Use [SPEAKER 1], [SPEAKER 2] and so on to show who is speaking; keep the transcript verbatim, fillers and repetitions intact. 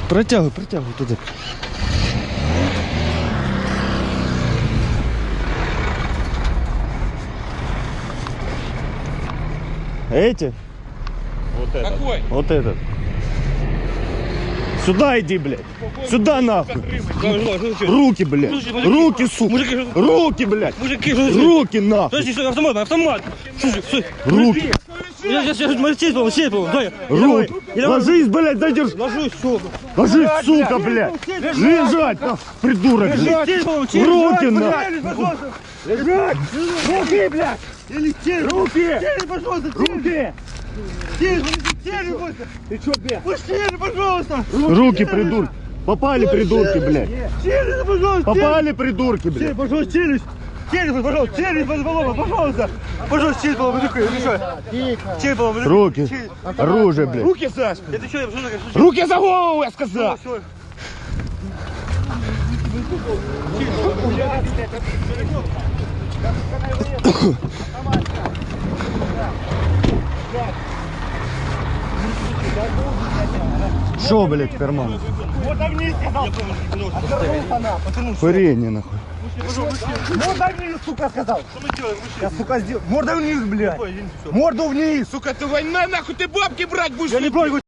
[SPEAKER 1] Протягивай, протягивай туда. Эти?
[SPEAKER 2] Вот этот. Какой?
[SPEAKER 1] Вот этот. Сюда иди, блядь. Сюда нахуй. Руки, блядь. Руки, сука. Руки, блядь. Руки, нахуй.
[SPEAKER 3] Подожди, что, автомат, автомат.
[SPEAKER 1] Руки.
[SPEAKER 3] Я сейчас, сейчас, сесть, по-моему, сесть, по-моему, дай.
[SPEAKER 1] Руки. Ложись, блядь, задержи.
[SPEAKER 3] Ложусь, сука.
[SPEAKER 1] Ложись, сука, блядь. Лежать, нахуй, придурок. Руки, нахуй.
[SPEAKER 3] Лежать. Руки, блядь. Руки.
[SPEAKER 1] Пожалуйста, руки.
[SPEAKER 3] Ты что, блядь? Пусти, пожалуйста.
[SPEAKER 1] Руки, придурки. Попали, придурки, блядь.
[SPEAKER 3] Челюсть, пожалуйста.
[SPEAKER 1] Попали, придурки, блядь.
[SPEAKER 3] Пожалуйста, челюсть. Челюсть, пожалуйста, челюсть, пожалуйста. Пожалуйста, челюсть, пожалуйста. Челюсть, пожалуйста.
[SPEAKER 1] Руки. Оружие, блядь.
[SPEAKER 3] Руки, Сашка. Это что, я пошел.
[SPEAKER 1] Руки за голову, я сказал. Шо, блядь, в карман?
[SPEAKER 3] Вот огни, сказал.
[SPEAKER 1] Курение, нахуй.
[SPEAKER 3] Морда вниз, сука, сказал. Что мы делаем? Я, сука, сделал. Морда вниз, блядь. Морду вниз.
[SPEAKER 2] Сука, ты война, нахуй, ты бабки брать будешь?
[SPEAKER 3] Я не брал его.